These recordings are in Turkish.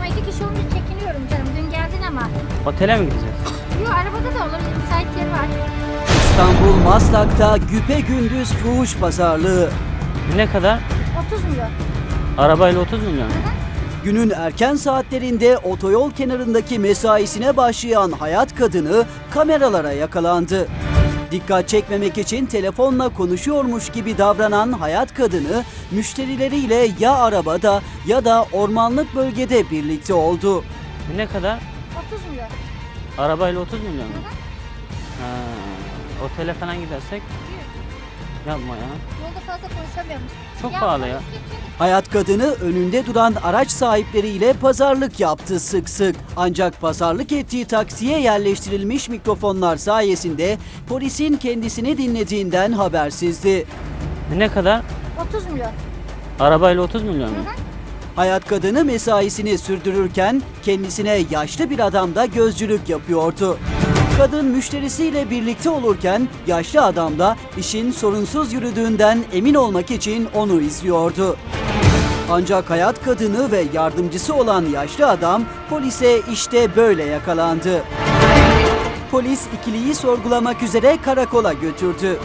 ama 2 kişi olunca çekiniyorum canım. Dün geldin ama. Otele mi gideceğiz? Yok arabada da olur. Müsait yer var. İstanbul Maslak'ta güpegündüz fuhuş pazarlığı. Ne kadar? 30 milyon. Arabayla 30 milyon. Günün erken saatlerinde otoyol kenarındaki mesaisine başlayan hayat kadını kameralara yakalandı. Dikkat çekmemek için telefonla konuşuyormuş gibi davranan hayat kadını müşterileriyle ya arabada ya da ormanlık bölgede birlikte oldu. Ne kadar? 30 milyon. Arabayla 30 milyon mu? Ha, otele falan gidersek? Yapma ya. Yolda fazla konuşamıyormuş. Çok pahalı ya. Hayat kadını önünde duran araç sahipleriyle pazarlık yaptı sık sık. Ancak pazarlık ettiği taksiye yerleştirilmiş mikrofonlar sayesinde polisin kendisini dinlediğinden habersizdi. Ne kadar? 30 milyon. Arabayla 30 milyon mu? Hayat kadını mesaisini sürdürürken kendisine yaşlı bir adam da gözcülük yapıyordu. Kadın müşterisiyle birlikte olurken yaşlı adam da işin sorunsuz yürüdüğünden emin olmak için onu izliyordu. Ancak hayat kadını ve yardımcısı olan yaşlı adam polise işte böyle yakalandı. Polis ikiliyi sorgulamak üzere karakola götürdü.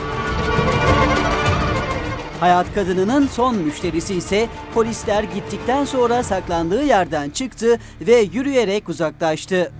Hayat kadınının son müşterisi ise polisler gittikten sonra saklandığı yerden çıktı ve yürüyerek uzaklaştı.